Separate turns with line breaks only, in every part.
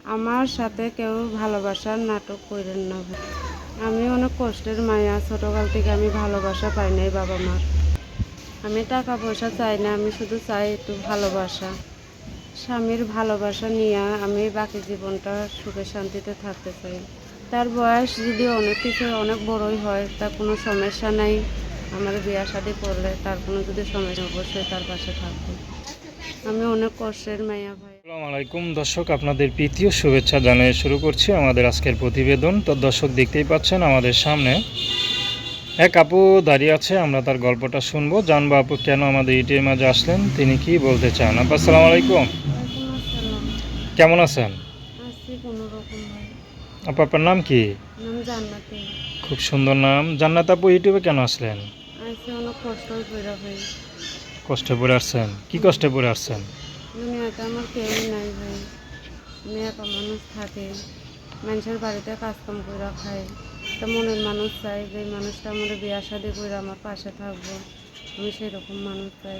আমার সাথে কেউ ভালোবাসার নাটক করেন না ভাই। আমি অনেক কষ্টের মায়া, ছোটোকাল থেকে আমি ভালোবাসা পাই নাই বাবা মার। আমি টাকা পয়সা চাই না, আমি শুধু চাই একটু ভালোবাসা। স্বামীর ভালোবাসা নিয়ে আমি বাকি জীবনটা সুখে শান্তিতে থাকতে চাই। তার বয়স যদি অনেক বড়ই হয়, তার কোনো সমস্যা নাই। আমার বিয়ে শাদী করলে তার কোনো যদি সমস্যা, অবশ্যই তার পাশে থাকবে। আমি অনেক কষ্টের মায়া ভাই।
আসসালামু আলাইকুম দর্শক, আপনাদের প্রীতীয় শুভেচ্ছা জানিয়ে শুরু করছি আমাদের আজকের প্রতিবেদন। তো দর্শক, দেখতেই পাচ্ছেন আমাদের সামনে এক আপু দাঁড়িয়ে আছে। আমরা তার গল্পটা শুনবো, জানবো আপু কেন আমাদের ইউটিউবের মাঝে আসলেন, তিনি কি বলতে চান। আপু আসসালামু আলাইকুম,
ওয়ালাইকুম আসসালাম।
কেমন আছেন?
আছি কোনো রকম ভাই।
আপু আপনার নাম কি?
নাম জান্নাতি।
খুব সুন্দর নাম। জান্নাত আপু, ইউটিউবে কেন আসলেন?
আইসি অনেক কষ্ট করে ভাই।
কষ্টে পড়ে আসছেন? কি কষ্টে পড়ে আসছেন?
দুনিয়াতে আমার কেউই নাই ভাই। আমি একা মানুষ থাকি, মানুষের বাড়িতে কাজকাম করে খাই। একটা মনের মানুষ চাই, যে মানুষটা আমার বিয়া শাদি করে আমার পাশে থাকবো। আমি সেরকম মানুষ চাই।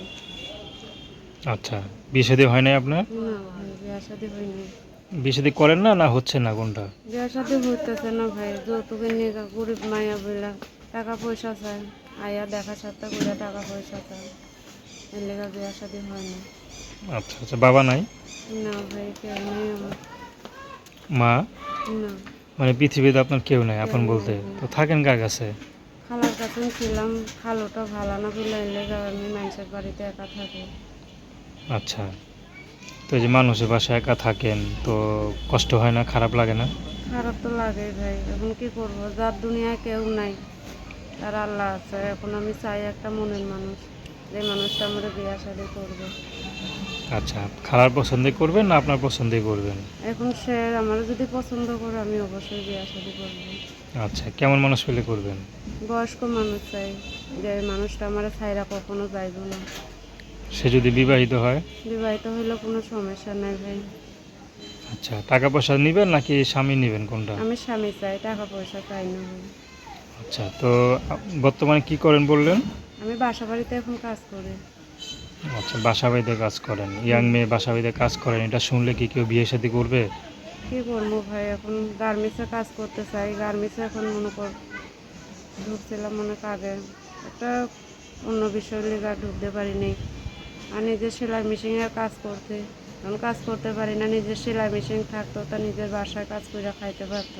আচ্ছা, বিয়ে শাদী হয় নাই আপনার?
না ভাই, বিয়া শাদি হয়নি।
বিয়ে শাদী করেন না, না হচ্ছে না, কোনটা?
বিয়া শাদি হইতেছে না ভাই, যৌতুকের নিয়ে গরিব মায়া বইলা টাকা পয়সা চায়। আয়া দেখা সাথে করে টাকা পয়সা চায়, এর লেগে বিয়া শাদি হয় না।
আচ্ছা আচ্ছা, বাবা নাই?
না ভাই, কেউ নেই আমার।
মা?
না,
মানে পৃথিবীতে আপনার কেউ নাই
কেউ
আপন
নেই
বলতে?
ভাই।
তো থাকেন কার কাছে?
খালার কাছে ছিলাম, খালোটা ভালো না বলে এর লেগে আমি মানুষের বাড়িতে একা থাকি।
আচ্ছা, তো এই যে মানুষের বাসায় একা থাকেন, তো কষ্ট হয় না, খারাপ লাগে না?
খারাপ তো লাগেই ভাই, এখন কি করব, যার দুনিয়ায় কেউ নাই তার আল্লাহ আছে। এখন আমি চাই একটা মনের মানুষ, যে মানুষটা আমার বিয়া শাদি করবে।
আচ্ছা, খালার পছন্দে করবেন না আপনার পছন্দে করবেন?
এখন সে আমার যদি পছন্দ করে, আমি অবশ্যই বিয়া শাদি করবো।
আচ্ছা, কেমন মানুষ পেলে করবেন?
বয়স্ক মানুষ চাই, যে মানুষটা আমার ছাইরা কখনো যাইব না।
সে যদি বিবাহিত হয়?
বিবাহিত হইলে কোনো সমস্যা নাই ভাই।
আচ্ছা, টাকা পয়সা নেবেন নাকি স্বামী নেবেন, কোনটা?
আমি স্বামী চাই, টাকা পয়সা চাই না ভাই।
আচ্ছা, তো বর্তমানে কি করেন বললেন?
আমি বাসা বাড়িতে এখন কাজ করি।
আচ্ছা, বাসা বাড়িতে কাজ করেন। ইয়াং মেয়ে বাসা বাড়িতে কাজ করেন, এটা শুনলে কি কেউ বিয়ে শাদী করবে?
কী করবো ভাই, এখন গার্মেন্টসে কাজ করতে চাই। গার্মেন্টসে এখন মনে কর ঢুকছিলাম অনেক আগে, একটা অন্য বিষয় লেগে ঢুকতে পারিনি। আর নিজের সেলাই মেশিনের কাজ করতে, এখন কাজ করতে পারি না। নিজের সেলাই মেশিন থাকতো, তা নিজের বাসায় কাজ করে খাইতে পারতাম।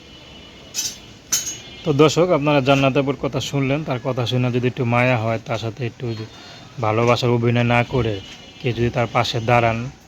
তো দর্শক, আপনারা জান্নাত আপুর কথা শুনলেন। তার কথা শুনে যদি একটু মায়া হয়, তার সাথে একটু ভালোবাসার অভিনয় না করে কেউ যদি তার পাশে দাঁড়ান,